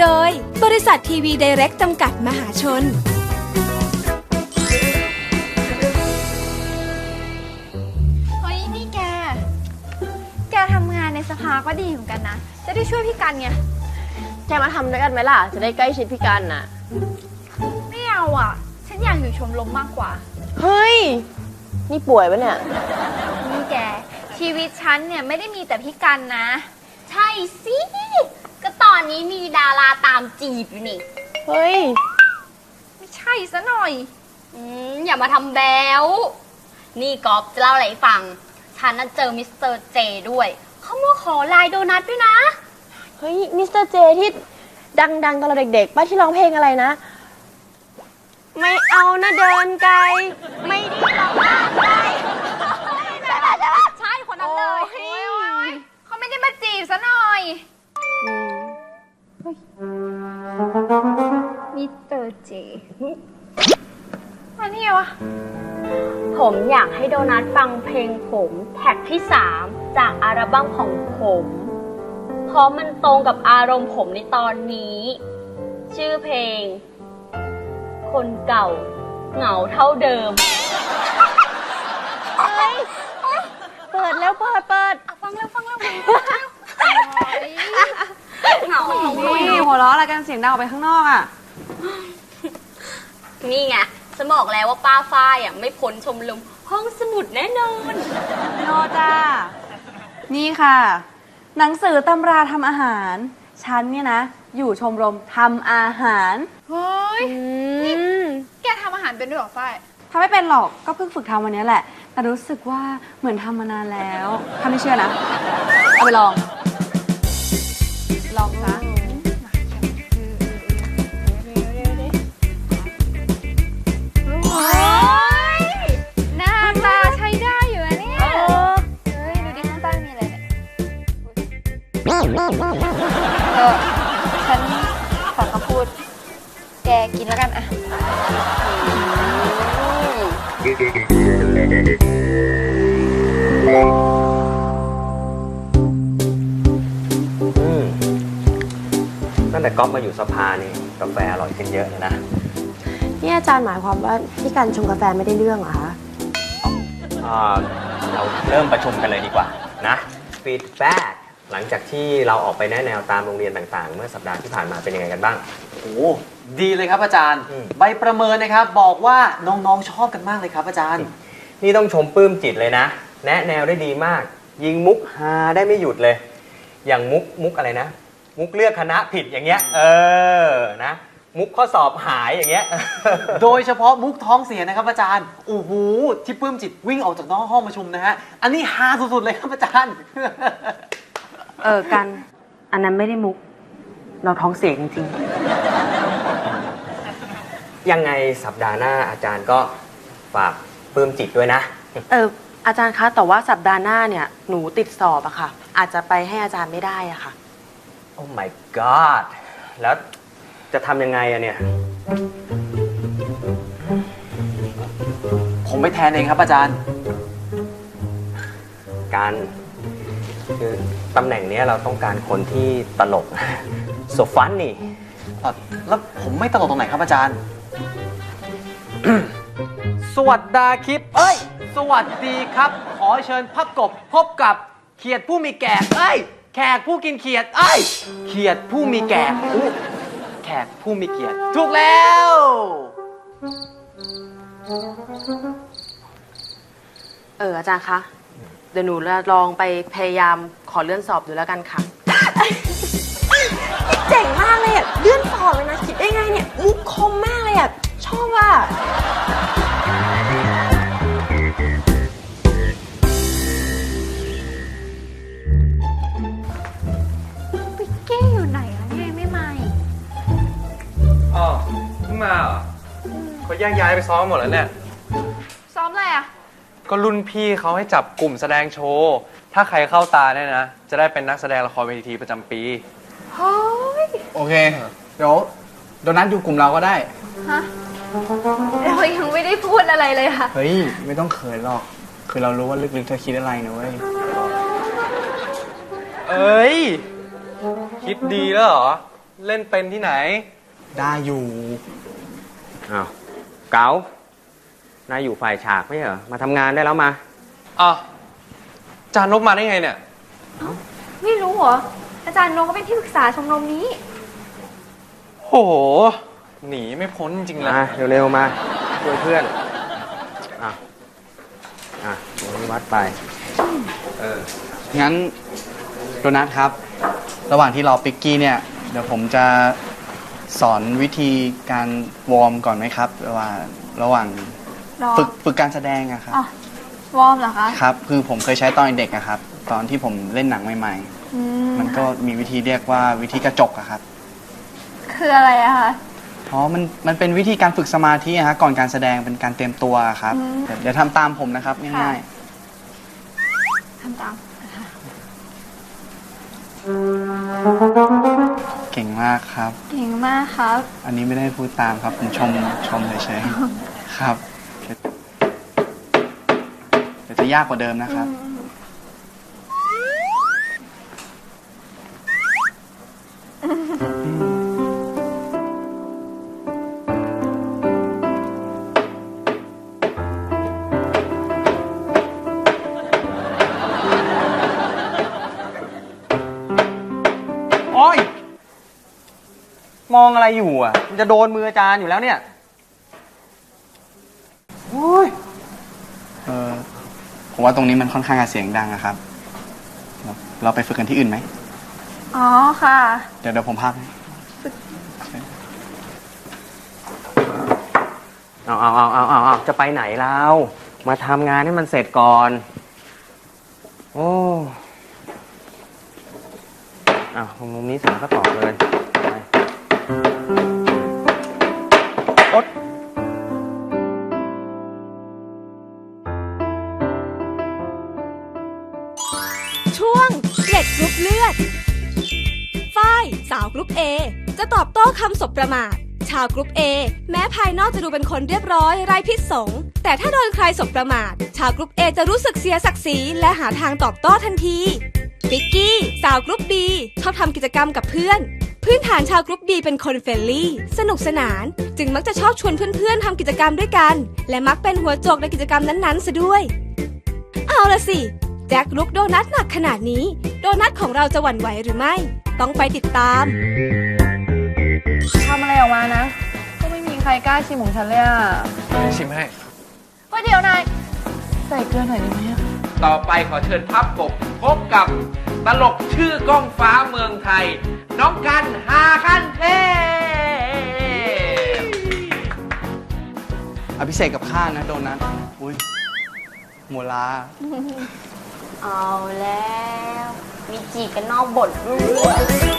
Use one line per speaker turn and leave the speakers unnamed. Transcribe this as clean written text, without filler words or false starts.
โดยบริษัททีวีไดเรกต์จำกัดมหาชน
เฮ้ยนี่แกทำงานในสภาก็ดีเหมือนกันนะจะได้ช่วยพี่กันไง
แกมาทำด้วยกันไหมล่ะจะได้ใกล้ชิดพี่กันน่ะ
ไม่เอาอ่ะฉันอยากอยู่ชมรมมากกว่า
เฮ้ยนี่ป่วยปะเนี่ย
นี่แกชีวิตฉันเนี่ยไม่ได้มีแต่พี่กันนะ
ใช่สิก็ตอนนี้มีดาราตามจีบอยู่นี่
เฮ้ย
ไม่ใช่ซะหน่อย
อย่ามาทำแบวนี่ก๊อฟจะเล่าอะไรให้ฟังฉันน่ะเจอมิสเตอร์เจด้วยเขามาขอลายโดนัทด้วยนะ
เฮ้ยมิสเตอร์เจที่ดังๆตอนเราเด็กๆป้าที่ร้องเพลงอะไรนะไม่เอานะเดินไกลไม่ดีหรอกมากไกล
ใช่คนนั้นเลยเขาไม่ได้มาจีบซะหน่อยมิสเตอร์เจอันนี้วะ
ผมอยากให้โดนัทฟังเพลงผมแท็กที่3จากอัลบั้มของผมเพราะมันตรงกับอารมณ์ผมในตอนนี้ชื่อเพลงคนเก่าเหงาเท่าเดิม
เปิดแล้วเปิด
ฟังแล้ว
เหงา
นี่หัวเราะอะไรกันเสียงดังออกไปข้างนอกอ่ะ
นี่ไงฉันบอกแล้วว่าป้าฝ้ายไม่พ้นชมรมห้องสมุดแน่นอน
โนจ้านี่ค่ะหนังสือตำราทำอาหารฉันเนี่ยนะอยู่ชมรมทำอาหาร
เฮ้ยนี่แกทำอาหารเป็นด้วยหรอฝ้าย
ทำไม่เป็นหรอกก็เพิ่งฝึกทำวันนี้แหละแต่รู้สึกว่าเหมือนทำมานานแล้วถ้าไม่เชื่อนะเอาไปลองซะ
หน้าตาใช้ได้อยู่นะเนี่ยเฮ้ยดูดิข้างใต้มีอะไรเนี่ยฉันขอคำพูดแกกินแล้วกันอะ
ตั้งแต่ก๊อฟมาอยู่สภานี่กาแฟอร่อยขึ้นเยอะเลยนะ
นี่อาจารย์หมายความว่าพี่กันชงกาแฟไม่ได้เรื่องเหรอคะ
เราเริ่มประชุมกันเลยดีกว่านะฟีดแบ็กหลังจากที่เราออกไปแนะแนวตามโรงเรียนต่างๆเมื่อสัปดาห์ที่ผ่านมาเป็นยังไงกันบ้าง
โอ้ดีเลยครับอาจารย์ใบประเมินนะครับบอกว่าน้องๆชอบกันมากเลยครับอาจารย์
นี่ต้องชมปลื้มจิตเลยนะแนะแนวได้ดีมากยิงมุกฮาได้ไม่หยุดเลยอย่างมุกอะไรนะมุกเลือกคณะผิดอย่างเงี้ยนะมุกข้อสอบหายอย่างเงี้ย
โดยเฉพาะมุกท้องเสียนะครับอาจารย์โอ้โหที่ปลื้มจิตวิ่งออกจากนอกห้องประชุมนะฮะอันนี้ฮาสุดๆเลยครับอาจารย์
กันอันนั้นไม่ได้มุกเราท้องเสียจริง
ๆยังไงสัปดาห์หน้าอาจารย์ก็ฝากปลื้มจิตด้วยนะ
อาจารย์คะแต่ว่าสัปดาห์หน้าเนี่ยหนูติดสอบอะค่ะอาจจะไปให้อาจารย์ไม่ได้อะค่ะ
โอ้ my god แล้วจะทำยังไงอะเนี่ย
ผมไปแทนเองครับอาจารย์
การคือตำแหน่งนี้เราต้องการคนที่ตลกโซฟันนี่
แล้วผมไม่ตลกตรงไหนครับอาจารย์ สวัสดีคลิปสวัสดีครับขอเชิญพับกบพบกับเขียดผู้มีแก่แขกผู้กินเขียดเขียดผู้มีแก่แขกผู้มีเกียรติถูกแล้ว
อาจารย์คะเดี๋ยวหนูลองไปพยายามขอเลื่อนสอบดูแล้วกันค่ะเจ๋งมากเลยอ่ะเลื่อนสอบเลยนะคิดได้ไงเนี่ยมุกคมมากเลยอ่ะชอบอ่ะ
ปิ๊กเก้อยู่ไหนอะเนี่ยไม่มา
เพิ่งมาเหรอเขาแยกย้ายไปซ้อมหมดแล้วเนี่ย
ซ้อมอะไรอะ
ก็รุ่นพี่เขาให้จับกลุ่มแสดงโชว์ถ้าใครเข้าตาเนี่ยนะจะได้เป็นนักแสดงละครเวทีประจำปี
เฮ้ย
โอเคเดี๋ยวโดนัทอยู่กลุ่มเราก็ได้
ฮะเรายังไม่ได้พูดอะไรเลยค่ะ
เฮ้ยไม่ต้องเขินหรอกคือเรารู้ว่าลึกๆเธอคิดอะไรนะเว้ย
เอ้ยคิดดีแล้วเหรอเล่นเป็นที่ไหน
ได้อยู่
อ้าวเก๋านายอยู่ฝ่ายฉากไม่ใช่เหรอ มาทำงานได้แล้วมา
อ่ะจานนบมาได้ไงเนี่ย
ไม่รู้เหรอ อาจารย์นงก็เป็นที่ปรึกษาชมรมนี้
โห หนีไม่พ้นจริงๆเลย
มาเร็วๆมาช่วยเพื่อน ตรงนี้วัดไป
งั้นโดนัทครับ ระหว่างที่รอปิกกี้เนี่ย เดี๋ยวผมจะสอนวิธีการวอร์มก่อนไหมครับ ระหว่าง
รอ
ฝึกการแสดงอะครับ
อ๋อ วอร์มเหรอคะ
ครับ คือผมเคยใช้ตอนเด็กอะครับ ตอนที่ผมเล่นหนังใหม่
อืม
ๆ มันก็มีวิธีเรียกว่าวิธีกระจกอะครับ
คืออะไรอะคะ
อ๋อมันเป็นวิธีการฝึกสมาธิอะฮะก่อนการแสดงเป็นการเตรียมตัวครับ
อืม
เดี๋ยวทำตามผมนะครับง่าย
ทำตาม
ๆ เก่งมากครับ
เก่งมากครับ
อันนี้ไม่ได้พูดตามครับ ผมชมเฉยๆ ครับ เดี๋ยวจะยากกว่าเดิมนะครับ
โอ้ย มองอะไรอยู่อ่ะ มันจะโดนมืออาจารย์อยู่แล้วเนี่ย โอ้ย
ผมว่าตรงนี้มันค่อนข้างจะเสียงดังอะครับ เราไปฝึกกันที่อื่นไหม
อ๋อค่ะ
เดี๋ยวผมพาไป
เอาจะไปไหนแล้ว มาทำงานให้มันเสร็จก่อน โอ้มุมนี้เสร็จก็ต่อเลยไปอด
ช่วงเกล็ดกรุ๊ปเลือด ฝ้ายสาวกรุ๊ป A จะตอบโต้คำสบประมาท ชาวกรุ๊ป A แม้ภายนอกจะดูเป็นคนเรียบร้อยไร้พิษสงแต่ถ้าโดนใครสบประมาท ชาวกรุ๊ป A จะรู้สึกเสียศักดิ์ศรีและหาทางตอบโต้ทันทีปิกกี้สาวกรุ๊ป B ชอบทำกิจกรรมกับเพื่อน พื้นฐานชาวกรุ๊ป B เป็นคนเฟรนลี่สนุกสนานจึงมักจะชอบชวนเพื่อนๆทำกิจกรรมด้วยกันและมักเป็นหัวโจกในกิจกรรมนั้นๆซะด้วยเอาละสิแจ็คลุกโดนัทหนักขนาดนี้โดนัทของเราจะหวั่นไหวหรือไม่ต้องไปติดตาม
ทำอะไรออกมานะ ก็ไม่มีใครกล้าชิมของฉันเลยอ่ะ
ชิมให้
เฮ้ยเดี๋ยวนาย ใส่เกลือหน่อยได้ไหมอะ
ต่อไปขอเชิญพับกบพบกับตลกชื่อก้องฟ้าเมืองไทย น้องกันหาขั้นเทพ
อภิเษกกับข้านะโดนัท อุ้ยโมลา
เอาแล้ว มีจีบกันนอกบทด้วย